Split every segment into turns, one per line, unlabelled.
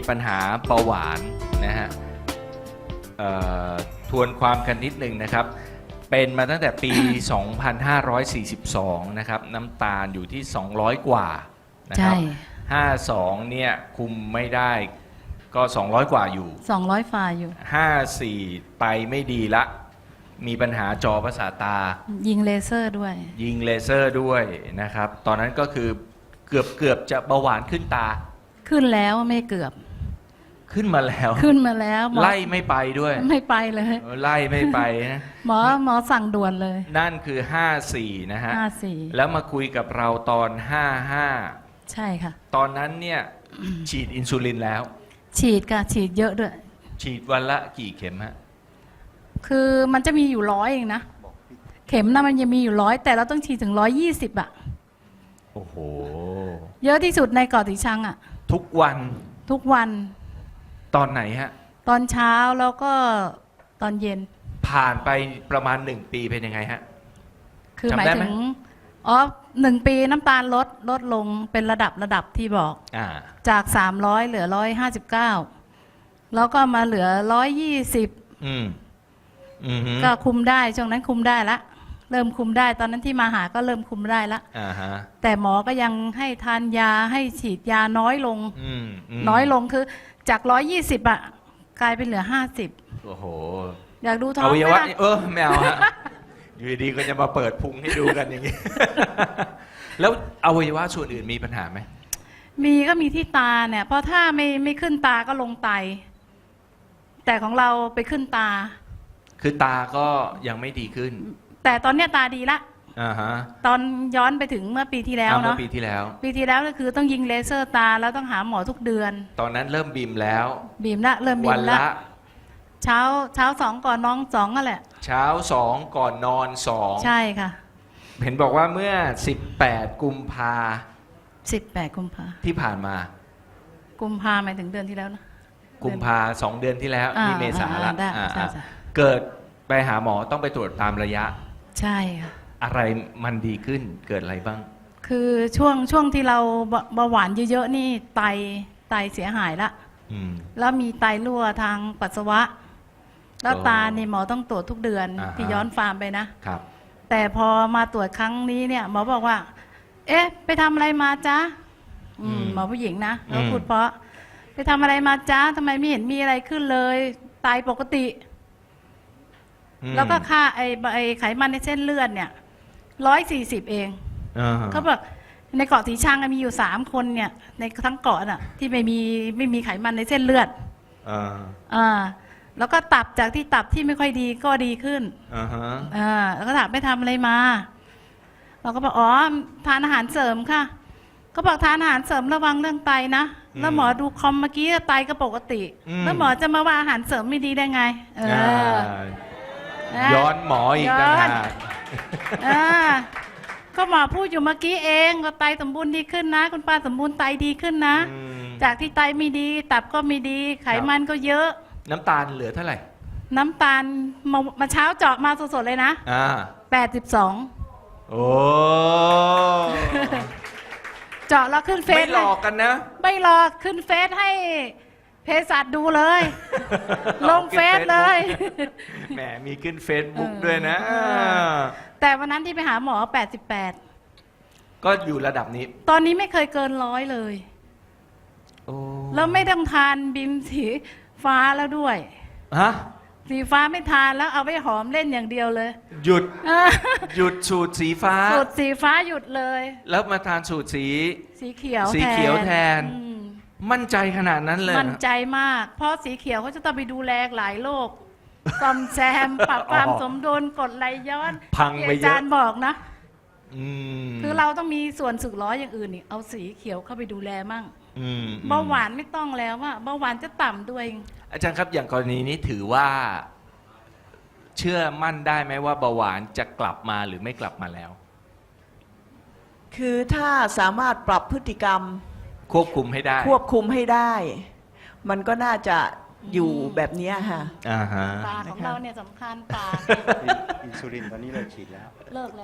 ปัญหาเบาหวานนะฮะทวนความกันนิดหนึ่งนะครับเป็นมาตั้งแต่ปี 2542 นะครับน้ำตาลอยู่ที่ 200 กว่านะครับ52เนี่ยคุมไม่ได้ก็200 กว่าอยู่
200ฝ่าอยู่
54ไปไม่ดีละมีปัญหาจอประสาทตา
ยิงเลเซอร์ด้วย
ยิงเลเซอร์ด้วยนะครับตอนนั้นก็คือเกือบจะเบาหวานขึ้นตา
ขึ้นแล้วไม่เกือบ
ขึ้นมาแล้วไล่ไม่ไปด้วย
ไม่ไปเลย
ไล่ไม่ไปนะ
หมอสั่งด่วนเลย
นั่นคือ54นะฮะ
54
แล้วมาคุยกับเราตอน55
ใช่ค่ะ
ตอนนั้นเนี่ยฉีดอินซูลินแล้ว
ฉีดค่ะฉีดเยอะด้วย
ฉีดวันละกี่เข็มฮะ
คือมันจะมีอยู่100เองนะเข็มนะมันยังมีอยู่100แต่เราต้องฉีดถึง120อ่ะ
โอ้โห
เยอะที่สุดในเกาะสีชังอ่ะ
ทุกวันตอนไหนฮะ
ตอนเช้าแล้วก็ตอนเย็น
ผ่านไปประมาณ1 ปีเป็นยังไงฮะ
คือหมายถึง1 ปีน้ำตาลลดลงเป็นระดับที่บอกจาก300เหลือ159แล้วก็มาเหลือ120ก็คุมได้ช่วงนั้นคุมได้ละเริ่มคุมได้ตอนนั้นที่มาหาก็เริ่มคุมได้ละแต่หมอก็ยังให้ทานยาให้ฉีดยาน้อยลงคือจาก120อ่ะกลายเป็นเหลือ50
โอ้โห
อยากดูท้อง
อวัยวะไม่เอาฮะอยู่ดีก็จะมาเปิดพุงให้ดูกันอย่างนี้ แล้วอวัยวะส่วนอื่นมีปัญหาไหม
มีก็มีที่ตาเนี่ยเพราะถ้าไม่ขึ้นตาก็ลงไตแต่ของเราไปขึ้นตา
คือตาก็ยังไม่ดีขึ้น
แต่ตอนเนี้ยตาดีละตอนย้อนไปถึงเมื่อปีที่แล้วเนาะ
ปีที่
แล้วก็คือต้องยิงเลเซอร์ตาแล้วต้องหาหมอทุกเดือน
ตอนนั้นเริ่มบีมแล้ว
เริ่มบีมละเช้า2ก่อนนอน2นั่นแหละ
เช้า2ก่อนนอน2
ใช่ค่ะ
เห็นบอกว่าเมื่อ18 กุมภาที่ผ่านมา
กุมภาหมายถึงเดือนที่แล้วนะ
กุมภา2 เดือนที่แล้วนี่เมษาละเกิดไปหาหมอต้องไปตรวจตามระยะ
ใช่ค่ะ
อะไรมันดีขึ้นเกิดอะไรบ้าง
คือช่วงที่เราเบาหวานเยอะๆนี่ไตเสียหายละแล้วมีไตรั่วทางปัสสาวะแล้วตาเนี่ยหมอต้องตรวจทุกเดือนที่ย้อนฟาร์มไปนะครับแต่พอมาตรวจครั้งนี้เนี่ยหมอบอกว่าเอ๊ะไปทำอะไรมาจ๊ะหมอผู้หญิงนะเราพูดเพราะไปทำอะไรมาจ๊ะทำไมไม่เห็นมีอะไรขึ้นเลยไตปกติแล้วก็ค่าไอไขมันในเส้นเลือดเนี่ย140เองเขาบอกในเกาะสีชังมีอยู่3 คนเนี่ยในทั้งเกาะน่ะที่ไม่มีไขมันในเส้นเลือดแล้วก็ตับจากที่ตับที่ไม่ค่อยดีก็ดีขึ้นแล้วก็ถามไปทำอะไรมาเราก็บอกอ๋อทานอาหารเสริมค่ะก็บอกทานอาหารเสริมระวังเรื่องไตนะแล้วหมอดูคอมเมื่อกี้ไตก็ปกติแล้วหมอจะมาว่าอาหารเสริมไม่ดีได้ไง
ย้อนหมออีกต่างหาก
ก็หมอพูดอยู่เมื่อกี้เองก็ไตสมบูรณ์ดีขึ้นนะคุณป้าสมบูรณ์ไตดีขึ้นนะจากที่ไตไม่ดีตับก็ไม่ดีไขมันก็เยอะ
น้ำตาลเหลือเท่าไหร่
น้ำตาลมาเช้าเจาะมาสดๆเลยนะ82
โอ้
เจาะแล้วขึ้นเฟซ
ไม่หลอกกันนะ
ไม่หลอกขึ้นเฟซให้เภสัชดูเลยลงเฟซเลย
แหมมีขึ้นเฟซบุ๊กด้วยนะ
แต่วันนั้นที่ไปหาหมอ88
ก็อยู่ระดับนี้
ตอนนี้ไม่เคยเกิน100เลยแล้วไม่ต้องทานบิมสีฟ้าแล้วด้วยสีฟ้าไม่ทานแล้วเอาไว้หอมเล่นอย่างเดียวเลย
หยุดสูตรสีฟ้า
หยุดเลย
แล้วมาทานสูตรสีเขียวแทนมั่นใจขนาดนั้นเลย
มั่นใจมากเพราะสีเขียวเขาจะต้องไปดูแลหลายโรคซ่อมแซมปรับความสมดุลกดไหลย้อน
พังไปเยอะอา
จารย์บอกนะคือเราต้องมีส่วนสึกล้ออย่างอื่นนี่เอาสีเขียวเข้าไปดูแลมั่งเบาหวานไม่ต้องแล้วว่าเบาหวานจะต่ำด้วย
อาจารย์ครับอย่างกรณีนี้ถือว่าเชื่อมั่นได้ไหมว่าเบาหวานจะกลับมาหรือไม่กลับมาแล้ว
คือถ้าสามารถปรับพฤติกรรม
ควบคุมให้
ได้ มันก็น่าจะอยู่แบบนี้ค่ะ
ตาของเราเนี่ยสำคัญตา
อินซูลินตอนนี้เลิกฉีดแล้ว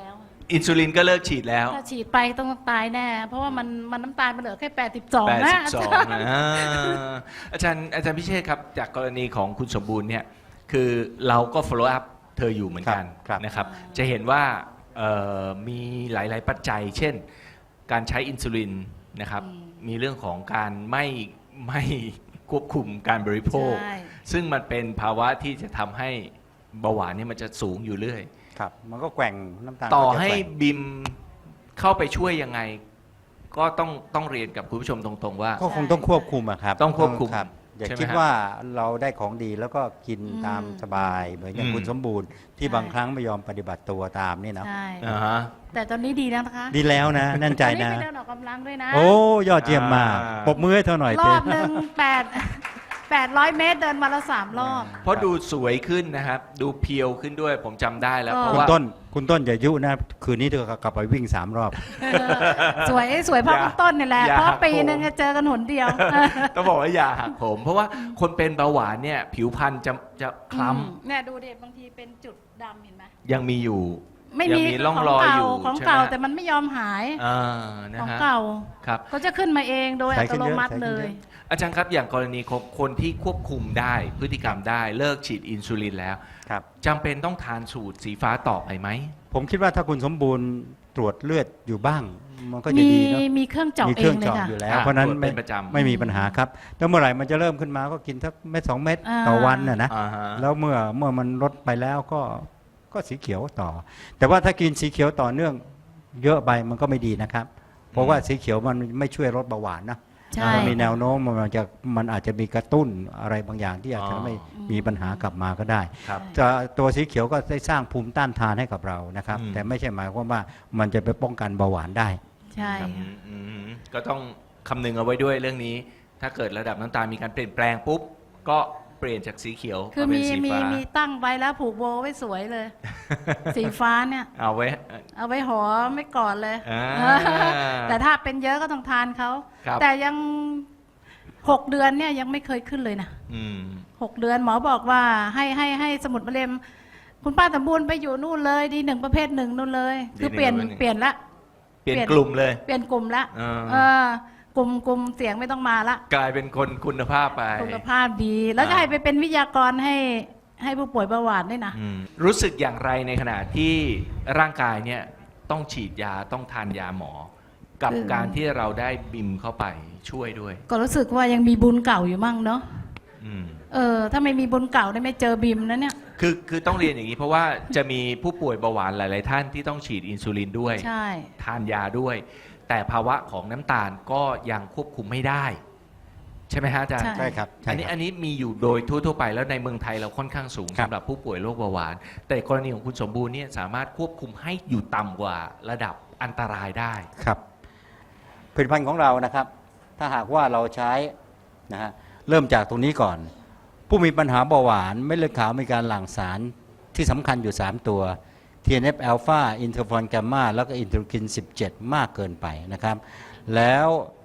อินซูลินก็เลิกฉีดแล้ว
ถ้าฉีดไปต้องตายแน่ เพราะว่ามันน้ำตาลมันเหลือแค่82นะ
82นะอาจารย์พิเชษครับจากกรณีของคุณสมบูรณ์เนี่ยคือเราก็ follow up เธออยู่เหมือนกัน
ครับ
นะครับจะเห็นว่ามีหลายๆปัจจัย เช่นการใช้อินซูลินนะครับมีเรื่องของการไม่ควบคุมการบริโภค
ใช่
ซึ่งมันเป็นภาวะที่จะทำให้เบาหวานเนี่ยมันจะสูงอยู่เรื่อย
ครับมันก็แกว่งน้ำตาล
ต่อ
ก็จะ
ให้
แกว่ง
บิมเข้าไปช่วยยังไง ก็ต้องเรียนกับคุณผู้ชมตรงๆว่า
ก็คงต้องควบคุมอะครับ
ต้องควบคุม
ครับอย่า
ใช่ไหม
คิด
ฮะ
ว่าเราได้ของดีแล้วก็กินตามสบายเหมือนอย่าง
อืม
คุณสมบูรณ์ที่บางครั้งไม่ยอมปฏิบัติตัวตามนี่นะ
ใช่
อ่าฮะ
แต่ตอนนี้ดีแล้วนะคะ
ดีแล้วนะแน่นใจ
ตอนนี้
นะ
ไปเดินออกกำลังด้วยนะ
โอ้ยอดเยี่ยมมาก
อ่า
ปรบมือให้เธอหน่อย
ร
เต้
อบหนึ่ง800 เมตรเดินมาละ3 รอบ
เพราะดูสวยขึ้นนะครับ ดูเพียวขึ้นด้วยผมจำได้แล้ว
ก็
เพราะ
คุณ
ว่า
ต้นอย่ายุนะคืนนี้เธอกลับไปวิ่ง3 รอบ
สวยเพราะคุณต้นนี่แหละ
อย่า
เพราะปี
โกง
หนึงจะเจอกันหนเดียว
ต้องบอกว่าอย่าหักผม เพราะว่าคนเป็นเบาหวานเนี่ยผิวพรรณจะคล้
เนี่ยดูเด็บางทีเป็นจุดดำเห็นไหม
ำยังมีอยู่
ไม่
ยัง
มี
มีร่องรอยอยู่
ของ
ใช่ไหม
เก่าแต่มันไม่ยอมหาย
อ่านะ
ของ
ฮะ
เก่า
ครับ
ก็จะขึ้นมาเองโดย
ใช้
อั
ขึ้
ต
น
โน
เยอะ
มัติ
ใช้ขึ้น
เล
เย
ย
อะ
อาจารย์ครับอย่างกรณีของคนที่ควบคุมได้พฤติกรรมได้เลิกฉีดอินซูลินแล้ว
ครับ
จำเป็นต้องทานสูตรสีฟ้าต่อไปไหม
ผมคิดว่าถ้าคุณสมบูรณ์ตรวจเลือดอยู่บ้าง มันก็จะดีเนาะ
มีเครื่องเจาะ
มี
เอ
เครื่อง ง
เลย
เจาะ
ค่ะ
อยู่แล้ว
อ่า
เพราะฉะนั้น
ตรวจเป็นประจำ
ไม่มีปัญหาครับแล้วเมื่อไหร่มันจะเริ่มขึ้นมาก็กินสักเม็ด2 เม็ดต่อวันนะ
อ่าฮะ
แล้วเมื่อมันลดไปแล้วก็สีเขียวต่อ แต่ว่าถ้ากินสีเขียวต่อเนื่องเยอะไปมันก็ไม่ดีนะครับ เพราะว่าสีเขียวมันไม่ช่วยลดเบาหวานนะ
ใช่
มันมีแนวโน้มมันอาจจะมีกระตุ้นอะไรบางอย่างที่อาจจะไม่มีปัญหากลับมาก็ได้
ครับ
จะตัวสีเขียวก็ได้สร้างภูมิต้านทานให้กับเรานะครับ
อืม
แต่ไม่ใช่หมายความว่ามันจะไปป้องกันเบาหวานได้
ใช่
ครับอืมก็ต้องคำนึงเอาไว้ด้วยเรื่องนี้ ถ้าเกิดระดับน้ำตาลมีการเปลี่ยนแปลงปุ๊บ ก็เปลี่ยนจากสีเขียว
คือ
มาเป็
มี
นสี
มี
ฟ้า
มีตั้งไว้แล้วผูกโบไว้สวยเลย สีฟ้าเนี่ย
เอาไว้
เอาไว้หอมไม่กอดเลย
อ่า
แต่ถ้าเป็นเยอะก็ต้องทานเขา
ครับ
แต่ยัง6 เดือนเนี่ยยังไม่เคยขึ้นเลยนะ
อืม
6 เดือนหมอบอกว่าให้สมุดมะเร็งคุณป้าสมบูรณ์ไปอยู่นู่นเลยดี1ประเภท1นู่นเลย คือเปลี่ยน
D1
เปลี่ยนละ
เปลี่ยนกลุ่มเลย
เปลี่ยนกลุ่มละ
อ่า
กลุ่มเสียงไม่ต้องมาละ
กลายเป็นคนคุณภาพไป
สุขภาพดี แล้วจะให้ไปเป็นวิทยากรให้ผู้ป่วยเบาหวานด้วยนะ
อืมรู้สึกอย่างไรในขณะที่ร่างกายเนี่ยต้องฉีดยาต้องทานยาหมอ กับ
คือ
การที่เราได้บิมเข้าไปช่วยด้วย
ก็รู้สึกว่ายังมีบุญเก่าอยู่มั่งเนาะ
อืม
ถ้าไม่มีบุญเก่าได้ไม่เจอบิมนะเนี่ย
คือต้องเรียนอย่างนี้เพราะว่าจะมีผู้ป่วยเบาหวานหลาย ๆ ท่านที่ต้องฉีดอินซูลินด้วย
ใช่
ทานยาด้วย แต่ภาวะของน้ำตาลก็ยังควบคุมไม่ได้ ใช่ไหมฮะอาจารย์
ใช่ครับใช่
อันนี้มีอยู่โดยทั่ว ๆ ไปแล้วในเมืองไทยเราค่อนข้างสูง
ครับ
สำหรับผู้ป่วยโรคเบาหวาน แต่กรณีของคุณสมบูรณ์เนี่ยสามารถควบคุมให้อยู่ต่ำกว่าระดับอันตรายได้
ครับผลิตภัณฑ์ของเรานะครับ ถ้าหากว่าเราใช้นะฮะเริ่มจากตรงนี้ก่อน ผู้มีปัญหาเบาหวานเม็ดเลือดขาวมีการหลั่งสารที่สำคัญอยู่ 3 ตัว TNF อ l p h a อินเทอร์ฟอนแกมมาแล้วก็อินเทอร์คิน 17 มากเกินไปนะครับ แล้ว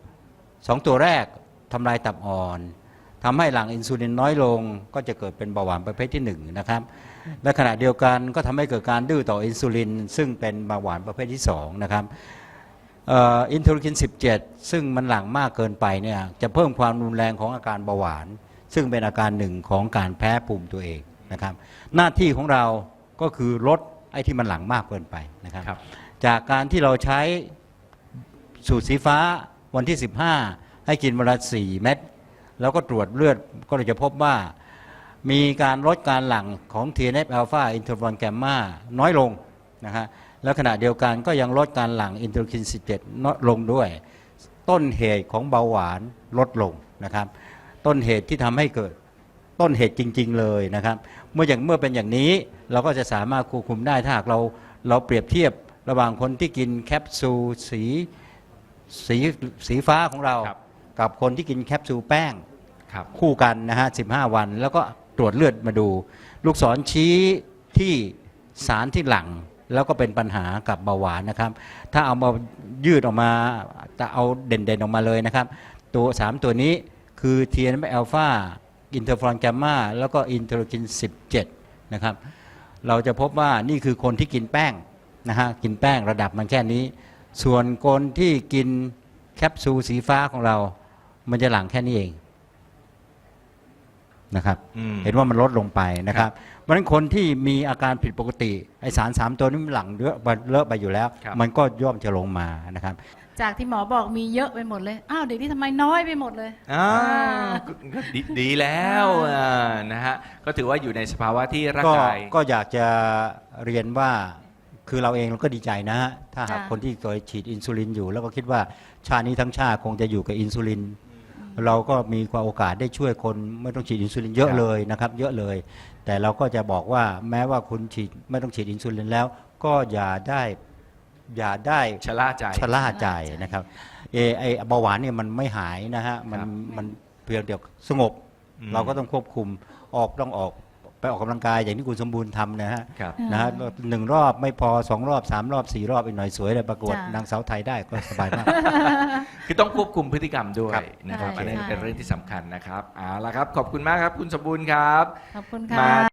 2 ตัวแรกทำลายตับอ่อนทำให้หลั่งอินซูลินน้อยลงก็จะเกิดเป็นเบาหวานประเภทที่1นะครับและขณะเดียวกันก็ทำให้เกิดการดื้อต่ออินซูลิน ซึ่งเป็นเบาหวานประเภทที่2นะครับอินเทอร์คิน 17 ซึ่งมันหลั่งมากเกินไปเนี่ยจะเพิ่มความรุนแรงของอาการเบาหวาน ซึ่งเป็นอาการหนึ่งของการแพ้ภูมิตัวเองนะครับหน้าที่ของเราก็คือลดไอ้ที่มันหลั่งมากเกินไปนะครับ
ครับ
จากการที่เราใช้สูตรสีฟ้าวันที่ 15 ให้กินวันละ4 เม็ดแล้วก็ตรวจเลือดก็จะพบว่ามีการลดการหลั่งของ TNF อ l p h a อินเทอร์ฟอนแกมมาน้อยลงนะฮะแล้วขณะเดียวกันก็ยังลดการหลั่งอินเทอร์คิน 17 น้อยลงด้วย ต้นเหตุของเบาหวานลดลงนะครับต้นเหตุที่ทำให้เกิดต้นเหตุจริงๆเลยนะครับเมื่อเป็นอย่างนี้เราก็จะสามารถควบคุมได้ถ้าหากเราเปรียบเทียบระหว่างคนที่กินแคปซูลสีฟ้าของเรา
ครับ
กับคนที่กินแคปซูลแป้ง
ครับ
คู่กันนะฮะ15 วัน แล้วก็ตรวจเลือดมาดู ลูกศรชี้ที่สารที่หลั่งแล้วก็เป็นปัญหากับเบาหวานนะครับถ้าเอามายืดออกมาจะเอาเด่นๆออกมาเลยนะครับตัว3ตัวนี้คือ TNF อ l p h a อินเทอร์ฟอนแกมมาแล้วก็อินเทอร์คิน 17 นะครับเราจะพบว่านี่คือคนที่กินแป้งนะฮะกินแป้งระดับมันแค่นี้ ส่วนคนที่กินแคปซูลสีฟ้าของเรา มันจะหลั่งแค่นี้เองนะครับ เห็นว่ามันลดลงไปนะครับเพราะฉะนั้นคนที่มีอาการผิดปกติไอสาร3ตัวนี้มันหลั่งเลอะไปอยู่แล้ว มันก็ย่อมจะลงมานะครับ
จากที่หมอบอกมีเยอะไปหมดเลยอ้าวเดี๋ยวนี้ทำไมน้อยไปหมดเลย
ก็ดีแล้วนะฮะก็ถือว่าอยู่ในสภาวะที่ร่างกาย
ก็อยากจะเรียนว่าคือเราเองเราก็ดีใจนะฮะถ้าหาก
ค่ะ
คนที่เคยฉีดอินซูลินอยู่ แล้วก็คิดว่าชาตินี้ทั้งชาติคงจะอยู่กับอินซูลิน เราก็มีความโอกาสได้ช่วยคนไม่ต้องฉีดอินซูลินเยอะ
ครับ
เลยนะครับเยอะเลย แต่เราก็จะบอกว่าแม้ว่าคุณฉีดไม่ต้องฉีดอินซูลินแล้ว ก็อย่าได้
ชะล่าใจ
ชะล่าใจนะครับไอเบาหวานเนี่ยมันไม่หายนะฮะมันเพียงเดียวสงบ เราก็ต้องควบคุมต้องออกไปออกกำลังกายอย่างที่คุณสมบูรณ์ทำนะฮะ
ครับ
นะฮะ1 รอบไม่พอ2 รอบ 3 รอบ 4 รอบอีกหน่อยสวยเลยประกวด
จ้ะ
นางสาวไทยได้ก็สบายมาก
คือต้องควบคุมพฤติกรรมด้วย
ครับ
นะครับ
ใช่
อันนี้
ใช่
เป็นเรื่องที่สำคัญนะครับเอาละครับขอบคุณมากครับคุณสมบูรณ์ครับ
ขอบคุณ
มา
ค่ะ